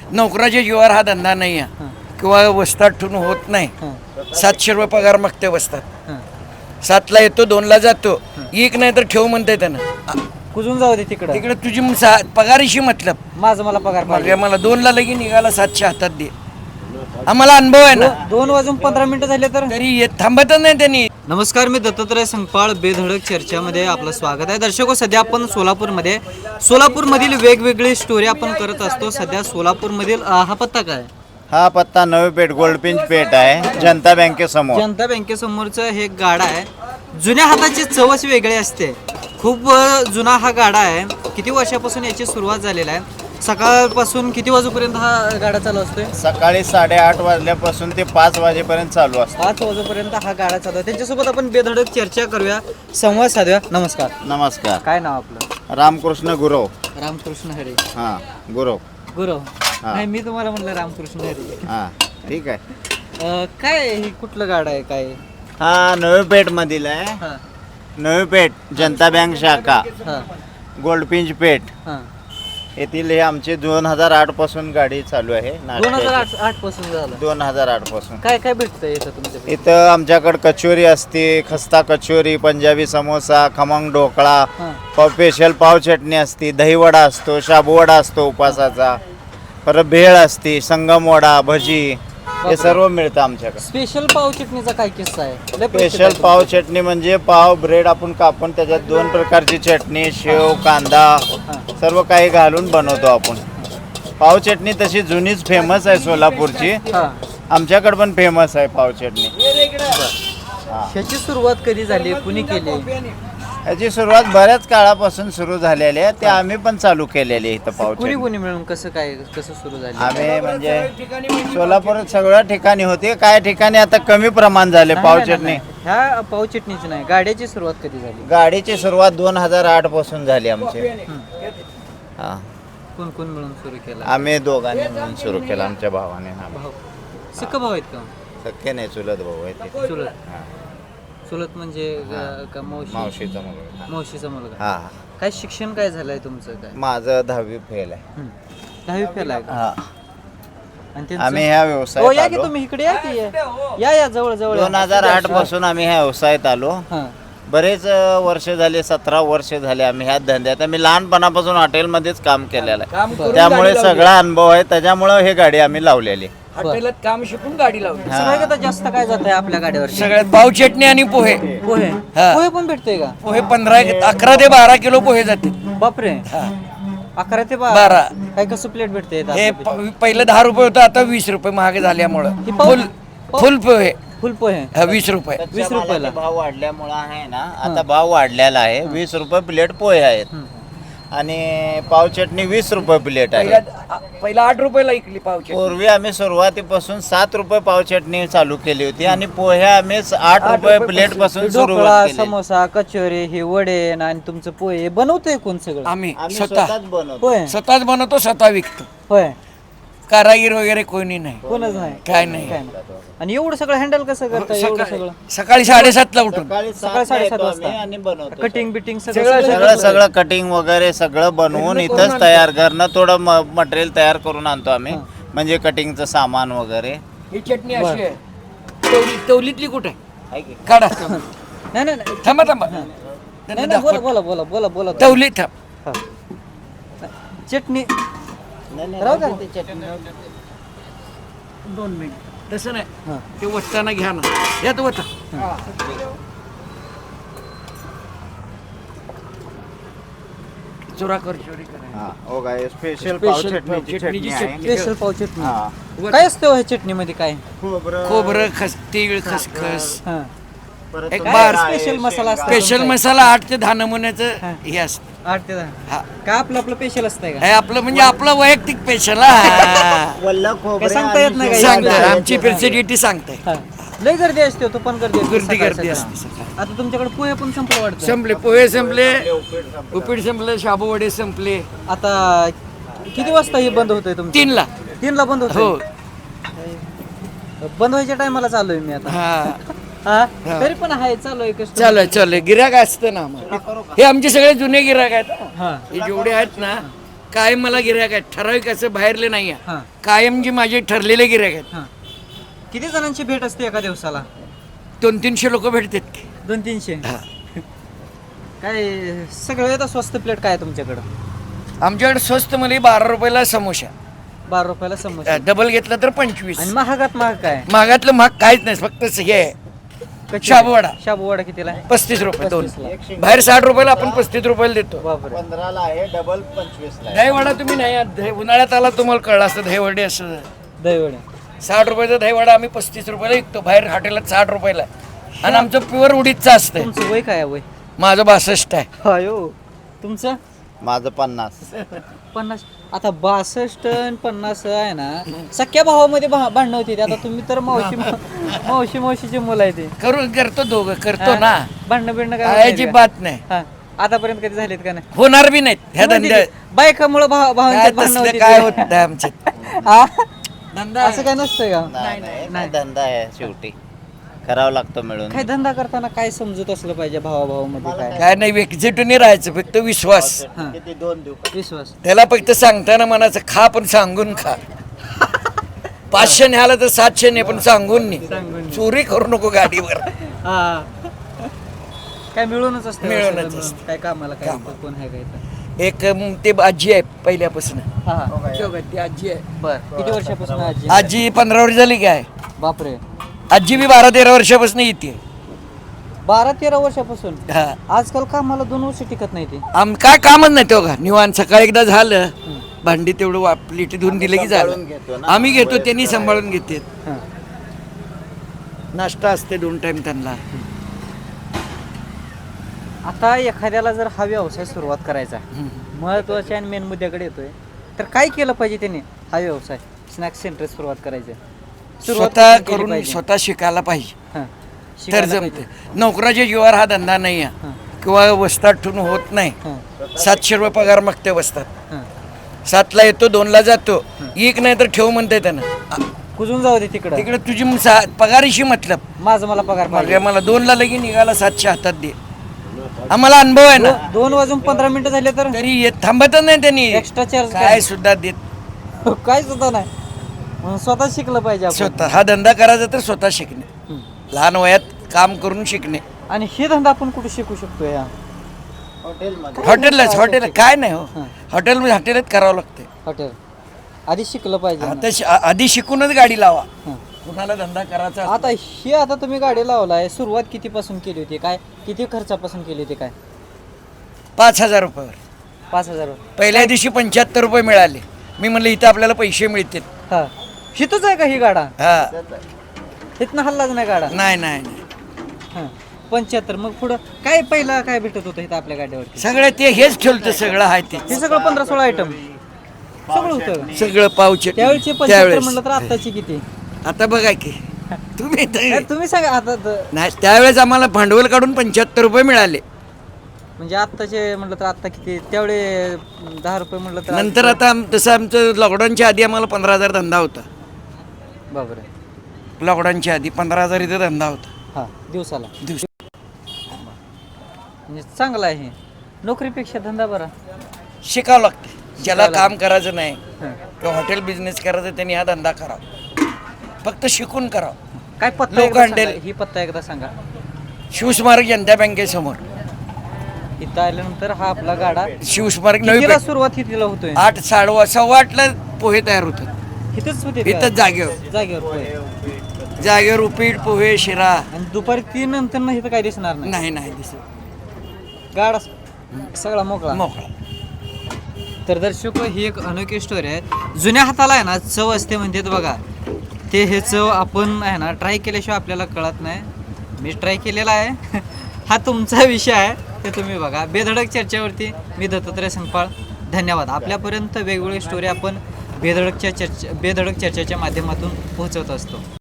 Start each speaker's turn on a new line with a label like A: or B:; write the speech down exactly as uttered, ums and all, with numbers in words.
A: नोकराच्या जीवावर हा धंदा नाही आहे किंवा वस्तात ठेवून होत नाही. सातशे रुपये पगार मागते वस्तात, सातला येतो दोनला जातो, एक नाही तर ठेव म्हणते त्यानं.
B: कुजून जाऊ दे तिकडं,
A: तिकडे तुझी म- सा- पगारीशी मतलब
B: माझं मला पगार पाहिजे.
A: मला दोनला लगी निघाला सातशे हातात दे. आम्हाला अनुभव आहे ना,
B: दो- दोन वाजून पंधरा मिनिटं झाले तर.
A: तरी येत थांबतच नाही त्यांनी.
B: नमस्कार, मी दत्तात्रय संगपाळ. बेधडक चर्चामध्ये आपलं स्वागत आहे. दर्शको, सध्या आपण सोलापूरमध्ये सोलापूरमधील वेगवेगळी स्टोरी आपण करत असतो. सध्या सोलापूरमधील अ, हा पत्ता काय?
C: हा पत्ता नवी पेठ गोल्डपिंच पेठ आहे, जनता बँकेसमोर.
B: जनता बँकेसमोरचं हे गाडा आहे. जुन्या हाताची चवच वेगळी असते. खूप अ, जुना हा गाडा आहे. किती वर्षापासून याची सुरुवात झालेली आहे? सकाळपासून किती वाजेपर्यंत हा गाडा चालू असतोय?
C: सकाळी साडेआठ वाजल्यापासून ते पाच वाजेपर्यंत चालू असतं.
B: पाच वाजेपर्यंत हा गाडा चालू आहे. त्यांच्यासोबत आपण बेधडक चर्चा करूया, संवाद साधूया. नमस्कार,
C: नमस्कार.
B: काय नाव आपलं?
C: रामकृष्ण गुरव.
B: रामकृष्ण हरे.
C: हा गुरव.
B: गुरु नाही, मी तुम्हाला म्हणलं रामकृष्ण हरे.
C: हा ठीक आहे.
B: अ, काय हे कुठलं गाडा आहे काय?
C: हा नवी पेठ मधील आहे.
B: हा
C: नवी पेठ जनता बँक शाखा
B: हा
C: गोल्डपिंच पेठ
B: हा
C: येथील हे आमची दोन हजार आठ पासून गाडी चालू आहे.
B: दोन हजार आठ आठ पासून झालं.
C: दोन हजार आठ पासून
B: काय काय भेटतं इथं तुमच्या?
C: इथं आमच्याकडे कचोरी असते, खस्ता कचोरी, पंजाबी समोसा, खमंग ढोकळा,
B: हा.
C: पाव स्पेशल पाव चटणी असते, दहीवडा असतो, शाबूवडा असतो उपासाचा, परत भेळ असते, संगम वडा, भजी, हे सर्व मिळतं आमच्याकडे.
B: स्पेशल पाव चटणीचा काय किस्सा आहे? लय प्रसिद्ध
C: स्पेशल
B: आहे
C: पाव चटणी म्हणजे पाव ब्रेड आपण कापून त्याच्यात दोन प्रकारची चटणी, शेव, कांदा सर्व काही घालून बनवतो आपण. पाव चटणी तशी जुनीच फेमस आहे सोलापूरची.
B: हा.
C: आमच्याकडे पण फेमस आहे पाव चटणी. हा.
B: ह्याची सुरुवात कधी झाली, कुणी केली?
C: याची सुरुवात बऱ्याच काळापासून सुरू झालेली आहे. ते आम्ही पण चालू केलेली आहे इथं पाव
B: कुणी
C: चटणी.
B: कुणी मिळून कसं काय कसं सुरू झाली?
C: आम्ही म्हणजे सोलापूरात सगळ्या ठिकाणी होते, काय ठिकाणी आता कमी प्रमाण झाले
B: नाही,
C: पाव
B: नाही,
C: चटणी.
B: नाही. ह्या पाव चटणीची नाही, गाड्याची सुरुवात कधी झाली?
C: गाडीची सुरुवात दोन हजार आठ पासून झाली आमची. हा
B: कोण कोण मिळून सुरू केला?
C: आम्ही दोघांनी मिळून सुरू केलं, आमच्या भावाने. हा.
B: भाऊ सख्खा भाऊ आहेत का?
C: सख्खे नाही, चुलत भाऊ आहे ते.
B: चुलत.
C: हा.
B: चुलत म्हणजे ग- का मावशी?
C: मावशीचा मुलगा.
B: मावशीचा मुलगा.
C: हा हा.
B: काय शिक्षण काय झालंय तुमचं काय?
C: माझं दहावी फेल आहे.
B: हं. दहावी फेल आहे का?
C: हा.
B: आणि त्यांचं?
C: आम्ही ह्या
B: हो,
C: व्यवसायात
B: या की
C: आलो.
B: तुम्ही इकडे या की या. या या जवळ जवळ
C: दोन हजार आठ पासून आम्ही ह्या व्यवसायात आलो.
B: हां.
C: बरेच अ, वर्ष झाले, सतरा वर्ष झाले आम्ही ह्या धंद्यात. आम्ही लहानपणापासून हॉटेलमध्येच काम केलेलं
A: काम
C: आहे,
A: करून
C: त्यामुळे
A: गाडी लावली.
C: सगळा अनुभव आहे. त्याच्यामुळे हे गाडी आम्ही लावलेली.
A: हॉटेलात काम शिकून गाडी लावली.
B: सगळ्यात आता जास्त काय जात आहे आपल्या गाडीवर?
A: सगळ्यात पाव चटणी आणि पोहे.
B: पोहे.
A: हा.
B: पोहे पण भेटते का?
A: पोहे पंधरा अकरा ते बारा किलो पोहे जाते.
B: बापरे.
A: हा.
B: अकरा ते बा-
A: बारा.
B: काय कसं प्लेट भेटते इथं?
A: हे प- पहिलं दहा रुपये होतं, आता वीस रुपये महाग झाल्यामुळं
B: ही पाव-
A: फुल
B: पाव-
A: फुल पोहे
B: फुल पोहे
A: हा, वीस रुपये.
B: वीस रुपयाला.
C: भाव वाढल्यामुळे आहे ना, आता भाव वाढलेला आहे. वीस रुपये प्लेट पोहे आहेत
B: हं.
C: आणि पाव चटणी वीस रुपये प्लेट आहे.
A: पहिला पहिला आठ रुपयाला इकली पाव चटणी.
C: पूर्वी आम्ही सुरुवातीपासून सात रुपये पाव चटणी चालू केली होती आणि पोहे आम्ही आठ
A: आठ
C: रुपये
A: रुपये
C: प्लेट पासून
B: ढोकळा,
C: सुरुवात केली.
B: समोसा, कचोरी, हे वडे आणि तुमचं पोहे हे बनवतोय कोण सगळं?
A: आम्ही
C: आम्ही
A: स्वतः
C: स्वतःच बनवतो.
B: होय
A: स्वतःच बनवतो, स्वतः विकतो.
B: होय.
A: कारागीर वगैरे कोणी नाही,
B: कोणच नाही.
A: काय नाही.
B: काय नाही. आणि एवढं सगळं हँडल कसं करता? एवढं
A: सकाळी
B: सगळं
A: सकाळी साडेसातला उठून
C: सकाळी
B: सकाळी
C: सातला
B: साडेसात
C: येतो आम्ही
B: वाजता.
C: आणि बनवतो.
B: कटिंग बिटिंग
A: सगळं-
B: सगळं
C: सगळं सगळं कटिंग वगैरे सगळं बनवून
A: सगळं
C: इथंच
A: करून
C: तयार घरनं थोडं मटेरियल तयार करून आणतो आम्ही. म्हणजे कटिंगचं सामान वगैरे.
A: ही चटणी अशी आहे. तवली तवलीतली कुठे आहे?
C: आहे की?
A: काढा.
B: नाही नाही नाही.
A: थांबा थांबा
B: नाही
A: त्यांना
B: नाही, बोला
A: दाखव.
B: बोला बोला बोला बोला
A: तवली थांब.
B: हा. चटणी
C: नाही, नाही,
B: राहू का?
C: राहू दे ते चटणी.
A: दोन मिनिट तसं नाही,
B: हा.
A: ते वटताना घ्या ना, यात वटा. चोरा कर चोरी करा.
C: हा, हो काय स्पेशल पाव
A: स्पेशल पाव
C: चटणीची
A: चटणीची
C: चटणी आहे.
A: चटणी.
B: स्पेशल पाव चटणी.
C: हा.
B: काय असतं हो ह्या चटणीमध्ये काय?
C: खोबरं,
A: खोबरं खस तीळ खसखस
B: हा.
C: परत
A: एक
C: काय
A: बार
C: आहे,
B: स्पेशल मसाला असतो.
A: स्पेशल मसाला आठ ते दहा नमुन्याचं
B: हा.
A: हे असतं.
B: आठ ते दहा.
A: हा,
B: काय आपलं आपलं स्पेशल असतंय का?
A: हे आपलं म्हणजे आपलं वैयक्तिक स्पेशल. हा
C: वल्ल खोबरं
B: काय सांगता येत नाही
C: आणि
B: का?
A: सांगताय,
C: शेंगदाणे.
A: आमची प्रेसिडिटी सांगताय.
B: हा. लय गर्दी असते तो पण गर्दी असते
A: गर्दी
B: सकाळी
A: गर्दी
B: सकाळी.
A: असते सकाळी.
B: आता तुमच्याकडे पोहे पण संपलं वाटतं.
A: संपले पोहे संपले,
C: उपीट संपलं.
A: उपीट संपले, शाबू वडे संपले.
B: आता किती वाजता हे बंद होतंय तुमचं?
A: तीनला.
B: तीनला बंद
A: हो.
B: होतं. बंद व्हायच्या टायमाला चालू आहे मी आता.
A: हा,
B: हा
A: हा.
B: तरी पण आहे चालू आहे कसं.
A: चालू आहे चालू आहे. गिराक असतं ना आम्हाला. हे आमचे सगळे जुने गिराक आहेत.
B: हा.
A: हे जेवढे आहेत ना, कायम मला गिऱ्हाईक आहेत, ठराविक असं बाहेरले नाही आहे.
B: हां
A: कायम जी माझे ठरलेले गिऱ्हाईक आहेत.
B: हां किती जणांची भेट असते एका दिवसाला?
A: दोन तीनशे लोक भेटतात की.
B: दोन तीनशे
A: हा.
B: काय सगळ्यात स्वस्त प्लेट काय आहे तुमच्याकडं?
A: आमच्याकडे स्वस्त मध्ये बारा रुपयाला समोसा,
B: बारा रुपयाला समोसा.
A: डबल घेतला तर पंचवीस.
B: आणि महागात महाग काय?
A: महागातलं महाग काहीच नाही, फक्त हे आहे
B: कच्ची-
A: शाबूवडा.
B: शाबूवडा कितीला आहे?
A: पस्तीस रुपये दोन.
B: पस्तीसला.
A: बाहेर साठ रुपयाला, आपण पस्तीस रुपयाला देतो.
B: बापरे.
C: पंधराला आहे, डबल पंचवीसला आहे.
A: दहीवडा तुम्ही नाही आत- दही- उन्हाळ्यात आला तुम्हाला कळलं असतं दहीवडे असं.
B: दहीवडे
A: साठ रुपयाचा दहीवडा आम्ही पस्तीस रुपयाला विकतो, बाहेर हॉटेलात साठ रुपयाला. आणि आमचं प्युअर उडीदचं असतं.
B: तुमचं वय काय आहे वय?
A: माझं बासष्ट आहे.
B: अयो तुमचं
C: माझं पन्नास.
B: पन्नास. आता बासष्ट आणि पन्नास आहे ना, सख्या भावामध्ये भा- भांडणं होती. आता तुम्ही तर मावशी मावशी मावशीची मुलं आहे ते.
A: करू करतो दोघं करतो ना,
B: भांडणं बिंडणं काय
A: काय
B: होत नाहीत का?
A: अजिबात नाही,
B: हा. आतापर्यंत कधी झालेत का नाही?
A: होणार बी नाहीत ह्या धंद्यात.
B: बायकामुळे
A: काय
B: भावांच्यात भांडणं
A: तसलं
B: होती
A: काय
B: ते.
A: होत नाही आमच्यात.
B: हा?
A: धंदा
B: असं काय नसतं का?
C: नाही नाही नाही, धंदा आहे शेवटी, करावं लागतो मिळून.
B: काय धंदा करताना काय समजत असलं पाहिजे भावाभावामध्ये काय?
A: काय नाही, एकजुटीने राहायचं, फक्त विश्वास.
B: हा.
C: किती दोन देऊ?
B: विश्वास.
A: त्याला फक्त सांगताना मनाचं खा, पण सांगून खा. पाचशे न्याला तर सातशे ने, पण सांगून नाही.
B: सांगून
A: चोरी करू नको गाडीवर.
B: हा. काय मिळूनच असतं.
A: मिळूनच
B: सगळं मिळून.
A: असतं.
B: काय कामाला काय
A: कामाला.
B: कोण आहे काय तर.
A: एक अं, ते आजी आहे पहिल्यापासून.
B: हा हा.
A: ती आजी आहे.
B: बर किती वर्षापासून आजी?
A: आजी पंधरा वर्ष झाली काय.
B: बापरे.
A: आजी बी बारा तेरा वर्षापासून येते.
B: बारा तेरा वर्षापासून.
A: हा.
B: आजकाल कामाला दोन वर्ष टिकत नाही ते.
A: आम काय कामच नाही तो का, निवांत सकाळी एकदा झालं, भांडी तेवढं वाप- प्लेटी धुवून दिलं की
C: सांभाळून
A: झालं.
C: घेतो ना.
A: आम्ही घेतो, त्यांनी सांभाळून घेते.
B: हा.
A: नाश्ता असते दोन टाइम त्यांना.
B: आता एखाद्याला जर हा व्यवसाय सुरुवात करायचा, महत्वाच्या आणि मेन मुद्द्याकडे येतोय, तर काय केलं पाहिजे त्याने हा व्यवसाय स्नॅक्स सेंटर सुरुवात करायचं? सुरुवात
A: स्वतः
B: कुठून केली
A: करून
B: पाहिजे?
A: स्वतः शिकायला पाहिजे,
B: हा.
A: तर
B: शिकायला
A: जमते.
B: पाहिजे.
A: नोकराच्या जीवावर हा धंदा नाही आहे,
B: हा.
A: किंवा वस्तात ठेवून होत नाही.
B: हा.
A: सातशे रुपये पगार मागते वस्तात.
B: हा.
A: सातला येतो, दोनला जातो. एक नाही तर ठेव म्हणते त्यांना.
B: कुजून जाऊ दे तिकडं.
A: तिकडे तुझी म- सा- पगारीशी मतलब.
B: माझं मला पगार पाहिजे.
A: म्हणजे मला दोनला लगी निघाला, सातशे हातात दे. आम्हाला अनुभव आहे ना,
B: दो- दोन वाजून पंधरा मिनिटं झाले तर
A: तरी येत थांबतच नाही त्यांनी.
B: एक्स्ट्रा चार्ज
A: काय सुद्धा देत.
B: काय सुद्धा नाही. म्हणून स्वतः शिकलं पाहिजे आपण.
A: स्वतः हा धंदा करायचा तर स्वतः शिकणे,
B: हम्म.
A: लहान वयात काम करून शिकणे.
B: आणि हे धंदा आपण कुठे शिकू शकतो या
C: हॉटेलमध्ये
A: हॉटेललाच, हॉटेल काय नाही हो,
B: हा.
A: हॉटेल हॉटेलात करावं लागते.
B: हॉटेल आधी शिकलं पाहिजे ना.
A: आता शि- आ- आधी शिकूनच गाडी लावा,
B: हा.
A: कुणाला धंदा करायचा
B: आता हे आता तुम्ही गाडी लावलाय, सुरुवात कितीपासून केली होती, काय किती खर्चापासून केली होती, काय?
A: पाच हजार रुपयावर.
B: पाच हजार रुपये.
A: पहिल्या दिवशी पंच्याहत्तर रुपये मिळाले. मी म्हणलं इथं आपल्याला पैसे मिळतील.
B: हा हिथंच आहे का ही गाडा?
A: हा,
B: इथनं हल्लाच नाही गाडा.
A: नाही नाही नाही.
B: हा पंच्याहत्तर. मग पुढं काय पहिला काय भेटत होतं इथं आपल्या गाडीवरती?
A: सगळं ते हेच ठेवलं, सगळं आहे ते,
B: हे सगळं पंधरा सोळा आयटम सगळं होतं.
A: सगळं पावचे
B: त्यावेळेचे पंच्याहत्तर
A: त्यावेळेस.
B: म्हणलं तर आत्ताची किती?
A: आता बघा की तुम्ही
B: काय
A: तर-
B: तुम्ही सांगा आता तर.
A: नाही, त्यावेळेस आम्हाला भांडवल काढून पंच्याहत्तर रुपये मिळाले.
B: म्हणजे आत्ताचे म्हटलं तर आत्ता किती? त्यावेळे दहा रुपये म्हटलं तर
A: नंतर आता आम- तसं आमचं लॉकडाऊनच्या आधी आम्हाला पंधरा हजार धंदा होता.
B: बापरे.
A: लॉकडाऊनच्या आधी पंधरा हजार इथं धंदा होता
B: हा दिवसाला.
A: दिवस.
B: म्हणजे चांगला आहे हे. नोकरीपेक्षा धंदा बरा.
A: शिकावं लागते. ज्याला
B: शिकायला
A: काम करायचं नाही
B: हा.
A: किंवा हॉटेल बिझनेस करायचं त्यांनी हा धंदा करावा, फक्त शिकून करावा.
B: काय पत्ता
A: लोक
B: एकदा
A: हंडेल.
B: सांगा. ही पत्ता एकदा सांगा.
A: शिवस्मारक जनता बँकेसमोर.
B: इथं आल्यानंतर हा आपला गाडा
A: शिवस्मारक नवी
B: कितीला
A: बँक.
B: सुरुवात कितीला होतोय?
A: आठ साडे सव्वा आठला पोहे तयार होतात
B: इथंच होते का?
A: इथंच जागेवर.
B: जागेवर होय.
A: जागेवर उपीट पोहे शिरा.
B: आणि दुपारी तीन नंतर ना इथं काय दिसणार नाही.
A: नाही नाही दिसत.
B: गाडा सगळा मोकळा.
A: मोकळा.
B: तर दर्शक ही एक अनोखी स्टोरी आहे. जुन्या हाताला आहे ना चव असते म्हणतात बघा, ते हे चव आपण आहे ना ट्राय केल्याशिवाय आपल्याला कळत नाही. मी ट्राय केलेला आहे. हा तुमचा विषय आहे, ते तुम्ही बघा. बेधडक चर्चेवरती मी दत्तात्रय संगपाळ. धन्यवाद. आपल्यापर्यंत वेगवेगळी स्टोरी आपण बेधडकच्या चर्चा बेधडक चर्चेच्या माध्यमातून पोहोचवत असतो.